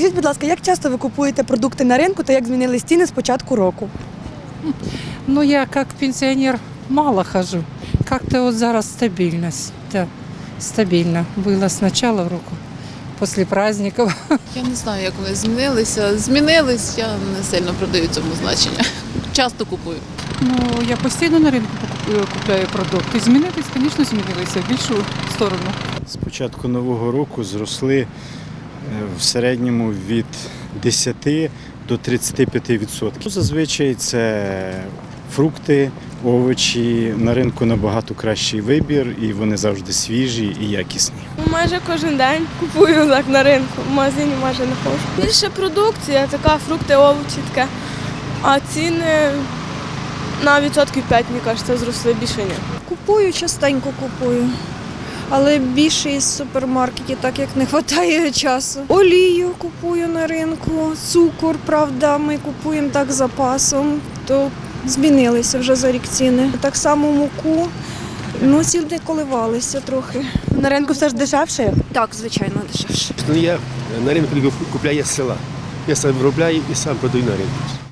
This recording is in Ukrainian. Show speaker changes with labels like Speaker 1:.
Speaker 1: Скажіть, будь ласка, як часто ви купуєте продукти на ринку та як змінились ціни з початку року?
Speaker 2: Ну, я как пенсионер мало хожу. Как-то вот зараз стабильность. Да, стабильно. Было с начала року, после праздников.
Speaker 3: Я не знаю, як вони змінилися. Змінились, я не сильно продаю цьому значення. Часто купую.
Speaker 4: Ну, я постійно на ринку купляю продукти. Змінитись, звісно, змінилися в більшу сторону.
Speaker 5: З початку нового року зросли в середньому від 10 до 35%. Зазвичай це фрукти, овочі. На ринку набагато кращий вибір і вони завжди свіжі і якісні.
Speaker 6: Майже кожен день купую так на ринку, в магазині майже не ходжу. Більше продукція, така фрукти, овочі таке. А ціни на відсотків 5, мені кажеться, зросли, більше ні.
Speaker 7: Купую, частенько купую, але більше із супермаркетів, так як не вистачає часу. Олію купую на ринку, цукор, правда, ми купуємо так з запасом, то змінилися вже за рік ціни. Так само муку, ну ціни коливалися трохи.
Speaker 1: На ринку все ж дешевше?
Speaker 7: Так, звичайно, дешевше.
Speaker 8: Я на ринку купляю з села. Я сам виробляю і сам продаю на ринку.